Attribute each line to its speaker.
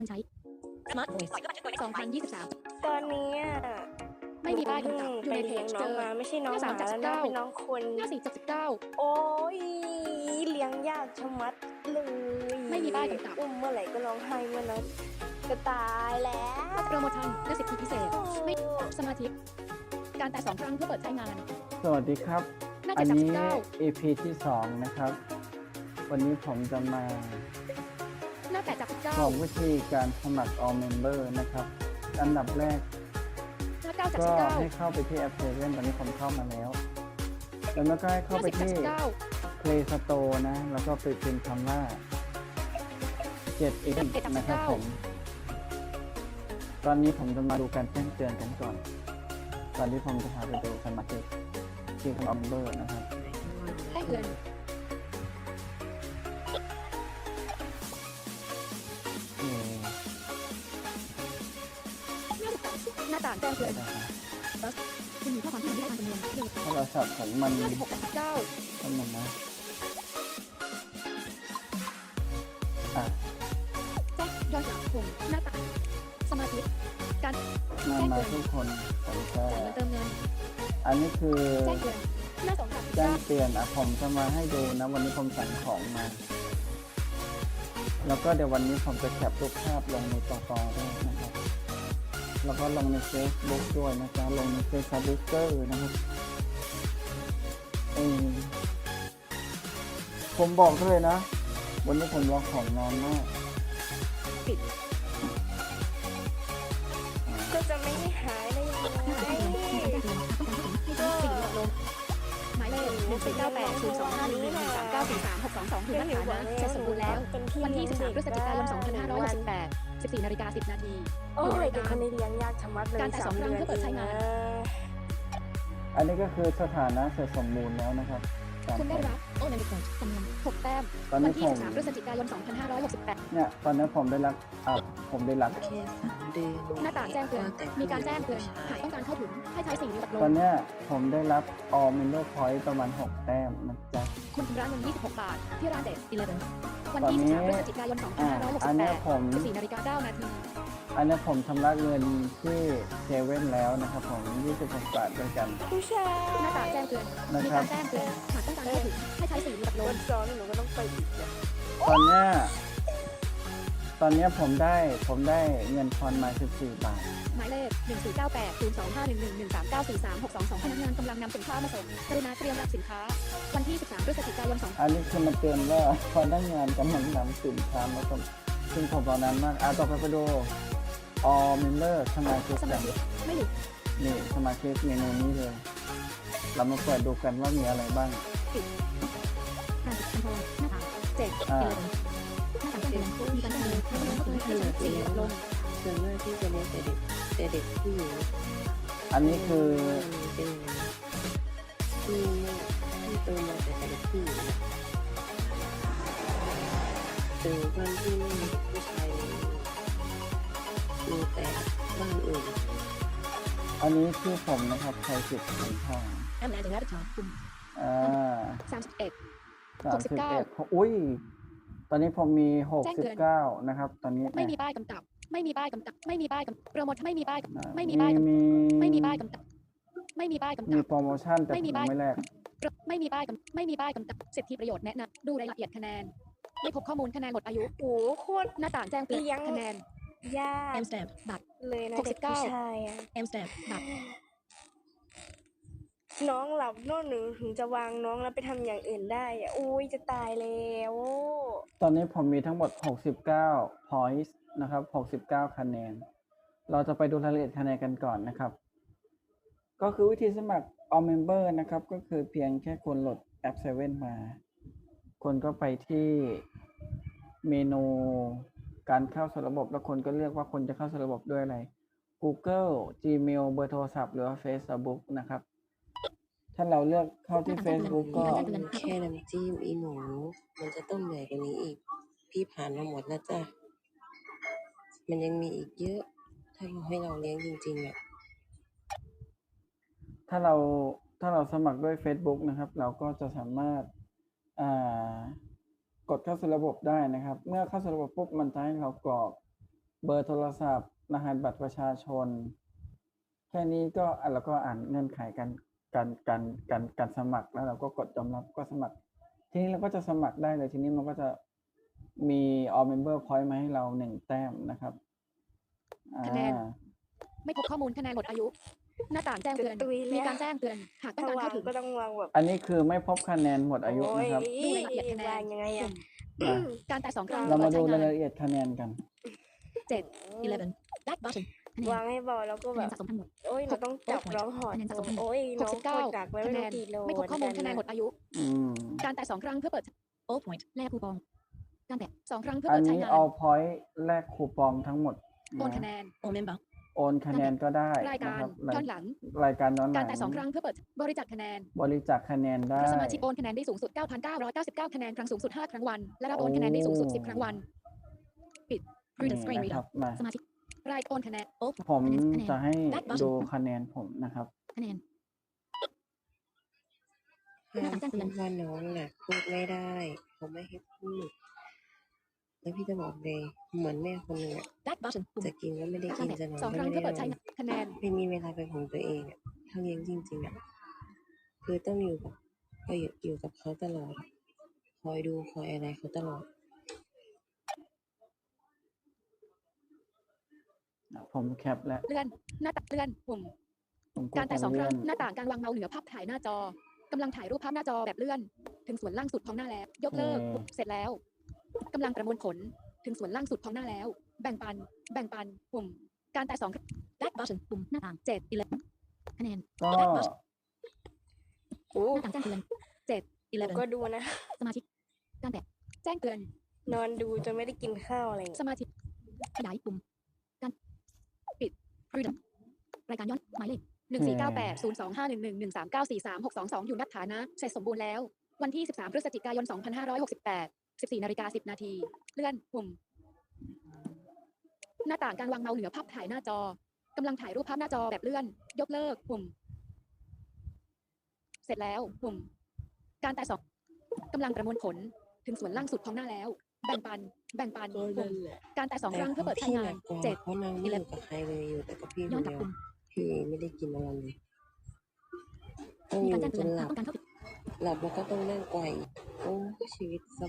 Speaker 1: ใช้สมาร์ทโฟน2023
Speaker 2: ตอนนี้
Speaker 1: ไม่มีป้ายกำกับอยู่ในเพจเจอ
Speaker 2: มาไม่ใช่น้องหมาแล้วนะเป็นน้องคน
Speaker 1: หน้า4 จาก 19
Speaker 2: โอ้ยเลี้ยงยากชะมัดเลย
Speaker 1: ไม่มีป้ายกำกับ
Speaker 2: อุ้มเมื่อไหร่ก็ร้องไห้เมื่อนั้นจะตายแล้ว
Speaker 1: โปรโมชั่นและสิทธิพิเศษไม่สมาธิการแตะ2 ครั้งเพื่อเปิดใช้งาน
Speaker 3: สวัสดีครับ
Speaker 1: หน้า
Speaker 3: อัน
Speaker 1: 7 จาก
Speaker 3: นี้
Speaker 1: 19
Speaker 3: EP ที่2นะครับ วันนี้ผมจะมา
Speaker 1: หน้า8 จาก
Speaker 3: บอกวิธีการสมัคร All Member นะครับ อันดับแรก
Speaker 1: 19หน้า9 จาก
Speaker 3: ก็ให้
Speaker 1: 19
Speaker 3: เข้าไปที่แอป 7 ตอนนี้ผมเข้ามาแล้ว แล้วก็ให้เข้าไป
Speaker 1: หน้า10 จาก
Speaker 3: ที่
Speaker 1: 19
Speaker 3: Play Store นะ แล้วก็ไปพิมพ์คำว่า 7x นะครับผม ตอนนี้ผมจะมาดูการแจ้งเตือนกันก่อน ตอนที่ผมจะพาไปดูสมัครที่All Member นะครับ
Speaker 1: แจ้งเตือนหน้าต่างแจ้งเตือนคุณมีข้อความที่ไม่ได้อ่านจำนวน
Speaker 3: โทรศัพท์ของมัน
Speaker 1: หน้า16 จาก 19
Speaker 3: ทำมันนะอ่ะ
Speaker 1: แจ้งย้อนหลังปุ่มหน้าต่างสมาธิการ
Speaker 3: มา
Speaker 1: แจ้งเตือน
Speaker 3: ทุกคนผมจะ
Speaker 1: จ่ายเงินเติมเงิน
Speaker 3: อันนี้คือ
Speaker 1: แจ้งเตือนหน้า2 จาก
Speaker 3: แจ้งเตือนผมจะมาให้ดูนะ วันนี้ผมสั่งของมา แล้วก็เดี๋ยววันนี้ผมจะแคปรูปภาพลงในตอด้วยนะครับ แล้วก็ลงใน Facebook ด้วยนะจ๊ะลงใน Facebook นะครับผมบอกเลยนะ วันนี้ผมรอของนานมาก
Speaker 1: ปิด
Speaker 2: ก็จะไม่หายได้ยังไง
Speaker 1: หมายเลข1498025113943622คือหน้าฐานะเสร็จสมบูรณ์แล้ววันที่13 พฤศจิกายน 2568 14 นาฬิกา 10 นาที
Speaker 2: โอ้ยเด็กคนนี้เลี้ยงยากชะมัดเลย
Speaker 1: การแตะ2 ครั้งเพื่อเปิดใช้งาน
Speaker 3: อันนี้ก็คือสถานะเสร็จสมบูรณ์แล้วนะครับ
Speaker 1: คุณได้รับโอเลมิโกจำนวน6 แต้มวันที่13 พฤศจิกายน 2568
Speaker 3: เนี่ยตอนนี้ผมได้รับผมได้รับ
Speaker 1: หน้าต่างแจ้งเตือนมีการแจ้งเตือนหากต้องการเข้าถึงให้ใช้สิ่งนี้แบบล
Speaker 3: ตอน
Speaker 1: ง
Speaker 3: เนี้ยผมได้รับ All Member Point ประมาณ6 แต้มนะจ๊ะ
Speaker 1: คุณชำระเงิน26 บาทที่ร้านเด็ด11วันที่13 พฤศจิกายน
Speaker 3: อันนี้ผม
Speaker 1: 2568 14 นาฬิกา 9 นาที
Speaker 3: อันนี้ผมชำระเงินที่เซเว่นแล้วนะครับผม26 บาทด้วยกัน
Speaker 2: ผู้ชาย
Speaker 1: หน้าต่างแจ้งเตือนมีการแจ้งเตือนหากต้องการเข้าถึงให้ใช้สิ่งนี้แบบล
Speaker 2: วั
Speaker 1: ง
Speaker 2: นซ้อนหนูก็ต้องไปอีกเนี่ย
Speaker 3: ตอนเนี้ยผมได้เงินทอนมา14 บาท
Speaker 1: หมายเลข1498025113943622พนักงานกำลังนำสินค้ามาส่งกรุณาเตรียมรับสินค้าวันที่13 พฤศจิกายน
Speaker 3: อันนี้คือมาเตือนว่าพนักงานกำลังนำสินค้ามาส่งซึ่งผมรอนานมากต่อไปดู All Member สมาชิก
Speaker 1: สมาชิกไม่หยุด
Speaker 3: นี่สมาชิกเมนูนี้เลย เรามาเปิดดูกันว่ามีอะไรบ้าง
Speaker 1: การติดคอนโทรลหน้าต่างเจ็ดหน้าต่างแจ้งเตือนมีการแจ้งเตือนให้ใช้สิ่งนี้แบบลง
Speaker 4: ส่วนมากที่จะเลี้ยงแต่เด็กผู้หญิง
Speaker 3: อันนี้คือ
Speaker 4: เป็นที่โตมาแต่เด็กผู้หญิงถึงวันที่ไม่มีผู้ชายมีแต่บ้านอื่น
Speaker 3: อันนี้คือผมนะครับใช้สิทธิ์ของทาง
Speaker 1: แอมแอนถึงได้ถอนกลุ่ม 31
Speaker 3: 31อุ้ยตอนนี้ผมมี69นะครับตอนนี้
Speaker 1: ไม่มีป้ายกำกับไม่มีป้ายกำกับไม่มีป้ายกำกับโปรโมชั่นไม่มีป้าย
Speaker 3: มี
Speaker 1: ไม่มีป้ายกำกับไม่มีป้ายกำกับไม่มีป้ายกำ
Speaker 3: มี
Speaker 1: กับ
Speaker 3: โปรโมชั่นแต่ผมไม่แลก
Speaker 1: ไม่มีป้ายกำไม่มีป้ายกำกับสิทธิประโยชน์แนะนำดูรายละเอียดคะแนนไม่พบข้อมูลคะแนนหมดอายุ
Speaker 2: โอ้โคตร
Speaker 1: หน้าต่างแจ้งเตือน
Speaker 2: เลี้ยง
Speaker 1: คะแนน
Speaker 2: ยาก
Speaker 1: แอมสแตมบัตร
Speaker 2: เลยนะ
Speaker 1: 69
Speaker 2: เด็กผู้ชายอะ
Speaker 1: แอมสแตมบัตร
Speaker 2: น้องหลับโน่นหนูถึงจะวางน้องแล้วไปทำอย่างอื่นได้อะอุ้ยจะตายแล้ว
Speaker 3: ตอนนี้ผมมีทั้งหมด69 points นะครับ69 คะแนน เราจะไปดูรายละเอียดคะแนนกันก่อนนะครับ ก็คือวิธีสมัคร All Member นะครับ ก็คือเพียงแค่คุณโหลดแอป 7 มาคนก็ไปที่เมนูการเข้าสู่ระบบแล้วคนก็เลือกว่าคนจะเข้าสู่ระบบด้วยอะไร Google Gmail เบอร์โทรศัพท์หรือว่า Facebook นะครับ ถ้าเราเลือกเข้าที่ Facebook ก็
Speaker 4: แค่น้ำจิ้มอีหนูมันจะต้องเหนื่อยกว่านี้อีกพี่ผ่านมาหมดแล้วจ้ะมันยังมีอีกเยอะถ้าเราให้เราเลี้ยงจริงๆอ่ะ
Speaker 3: ถ้าเราสมัครด้วย Facebook นะครับ เราก็จะสามารถกดเข้าสู่ระบบได้นะครับ เมื่อเข้าสู่ระบบปุ๊บมันจะให้เรากรอกบอร์โทรศัพท์ รหัสบัตรประชาชน แค่นี้ก็แล้วก็อ่านเงื่อนไขการสมัครแล้วเราก็กดยอมรับก็สมัคร ทีนี้เราก็จะสมัครได้เลย ทีนี้มันก็จะมี All Member Point มาให้เรา1 แต้มนะครับ
Speaker 1: คะแนน ไม่พบข้อมูลคะแนนหมดอายุ หน้าต่างแจ้งเตือน
Speaker 2: ตุยแล้ว
Speaker 1: มีการแจ้งเตือน หากต้อง
Speaker 2: ถ้า
Speaker 1: การ
Speaker 2: วาง
Speaker 1: เข้าถึง
Speaker 2: ก็ต้องวางแบบ
Speaker 3: อันนี้คือไม่พบคะแนนหมดอายุ
Speaker 2: โอ้ย
Speaker 3: นะครับ
Speaker 1: ดูรายละเอียดคะแนน
Speaker 2: วางยังไง
Speaker 1: ก
Speaker 2: อะ
Speaker 1: ลุ่ม
Speaker 3: อ่ะ
Speaker 1: การแตะ2 ครั้ง
Speaker 3: เรามา
Speaker 1: เพื่
Speaker 3: ดู
Speaker 1: อใช้งาร
Speaker 3: าน ยละเอียดคะแนนกัน
Speaker 1: 7 11 back button คะแน
Speaker 2: วาน งให้เบาแล้วก็
Speaker 1: คะ
Speaker 2: แบ
Speaker 1: แนน
Speaker 2: บ
Speaker 1: สะสมทั้งหมด
Speaker 2: โอ้ยเราต้องจับร้องหอด
Speaker 1: คะแนนสะสมทั้งหมด
Speaker 2: โอ้ยน้องกดดักไว้ไม่
Speaker 1: คะแน
Speaker 2: รู้
Speaker 1: น
Speaker 2: กี่โล
Speaker 1: ไม่พบข้อมูลคะแนนหมดอายุ
Speaker 3: อืม
Speaker 1: การแตะ2 ครั้งเพื่อเปิด all point แลกคูปอง การแตะ2 ครั้งเพื่อ
Speaker 3: อัน
Speaker 1: เปิดใช้
Speaker 3: นี้
Speaker 1: งาน
Speaker 3: all point แลกคูปองทั้งหมด
Speaker 1: โอนคะแน
Speaker 3: นะ
Speaker 1: น all member
Speaker 3: โอนคะแนนก็ได้
Speaker 1: ราย
Speaker 3: นะ
Speaker 1: การ
Speaker 3: ครับ
Speaker 1: ย้อนหลัง
Speaker 3: รายการย้อนห
Speaker 1: กา
Speaker 3: ลั
Speaker 1: รง แตะ2 ครั้งเพื่อเปิดบริจาคคะแนน
Speaker 3: บริจาคคะแนนได้
Speaker 1: สมาชิกโอนคะแนนได้สูงสุด 9,999 คะแนนครั้งสูงสุด 5 ครั้งวัน และรับโอนคะแนนได้สูงสุด 10 ครั้งวัน ปิด print
Speaker 3: นี่
Speaker 1: screen
Speaker 3: นะค
Speaker 1: reader
Speaker 3: รับมา
Speaker 1: สมาชิกรายโอนคะแนน all
Speaker 3: ผม
Speaker 1: คะแนน
Speaker 3: จะให้
Speaker 1: back button
Speaker 3: ดูคะแนนผมนะครับ
Speaker 1: คะแนน
Speaker 4: ห้ามพูดว่าน้องน่ะพูดไม่ได้ เขาไม่ให้พูด แล้วพี่จะบอกเลยเหมือนแม่คนหนึ่งอะ
Speaker 1: back button ปุ่ม
Speaker 4: จะกินก็ไม่ได้
Speaker 1: กา
Speaker 4: กิ
Speaker 1: ร
Speaker 4: น
Speaker 1: แตะ
Speaker 4: จะนอน
Speaker 1: 2 ค
Speaker 4: ก็
Speaker 1: รั้ง
Speaker 4: ไม่
Speaker 1: เพื่อ
Speaker 4: ได้
Speaker 1: เปิด
Speaker 4: น
Speaker 1: ใช้
Speaker 4: อน
Speaker 1: งานคะแนน
Speaker 4: ไม่มีเวลาเป็นของตัวเองอะถ้าเลี้ยงจริงๆอะคือต้องอยู่กับก็อยู่กับเขาตลอด คอยดูคอยอะไรเขาตลอด
Speaker 3: ผมแคปแล้ว
Speaker 1: เลื่อน หน้าต่างเลื่อน ปุ่ม
Speaker 3: ผมก
Speaker 1: กา
Speaker 3: ด
Speaker 1: รแตะ
Speaker 3: ตรง
Speaker 1: 2 ค
Speaker 3: เลื่
Speaker 1: รั้
Speaker 3: อง น
Speaker 1: หน้าต่างการวางเมาส์เหนือภาพถ่ายหน้าจอกำลังถ่ายรูปภาพหน้าจอแบบเลื่อน ถึงส่วนล่างสุดของหน้าแล้ว ยกเลิก
Speaker 3: โอเค
Speaker 1: เสร็จแล้วกำลังประมวลผล ถึงส่วนล่างสุดของหน้าแล้ว แบ่งปัน ปุ่ม การแตะ2 back button ปุ่มหน้าต่าง7 11คะแนน
Speaker 3: ก็
Speaker 1: back button
Speaker 2: โอ้
Speaker 1: หน้าต่างแจ้งเตือน7
Speaker 2: ก็
Speaker 1: 11
Speaker 2: ดูนะ
Speaker 1: สมาชิกการแตะแจ้งเตือน
Speaker 2: นอนดูจนไม่ได้กินข้าวอะไรอย่าง
Speaker 1: ส
Speaker 2: เงี้ย
Speaker 1: มาชิกขยายปุ่มการปิด freedom รายการย้อนหมายเลข14980251113943622อยู่นัดฐานะเสร็จสมบูรณ์แล้ว วันที่13 พฤศจิกายน 2568 14:10 นาทีเลื่อนปุ่ม หน้าต่างการวางเมาส์เหนือภาพถ่ายหน้าจอกำลังถ่ายรูปภาพหน้าจอแบบเลื่อน ยกเลิกปุ่ม เสร็จแล้วปุ่ม การแตะ2กำลังประมวลผลถึงส่วนล่างสุดของหน้าแล้ว แบ่งปัน
Speaker 4: ก็
Speaker 1: ปุ่
Speaker 4: นั่
Speaker 1: ม
Speaker 4: นแหละ
Speaker 1: การแตะ2 ครั้งเพื่อเปิดใช้
Speaker 4: พี่ห
Speaker 1: งา
Speaker 4: นั
Speaker 1: น
Speaker 4: กกว่า
Speaker 1: 7
Speaker 4: เพราะนางไม่อยู่กับใครเลยอยู่แต่กับพี่ค
Speaker 1: ย้อน
Speaker 4: น
Speaker 1: กลับ
Speaker 4: เดียว
Speaker 1: ปุ่ม
Speaker 4: พี่ไม่ได้กินอะไรเลยต้อง
Speaker 1: มี
Speaker 4: อ
Speaker 1: การ
Speaker 4: ยู่
Speaker 1: แจ้ง
Speaker 4: จ
Speaker 1: เตือน
Speaker 4: นหลับ
Speaker 1: ต้องการเข้า
Speaker 4: หลับแล้วก็ต้องนั่งไกวอีกโอ้ชีวิตส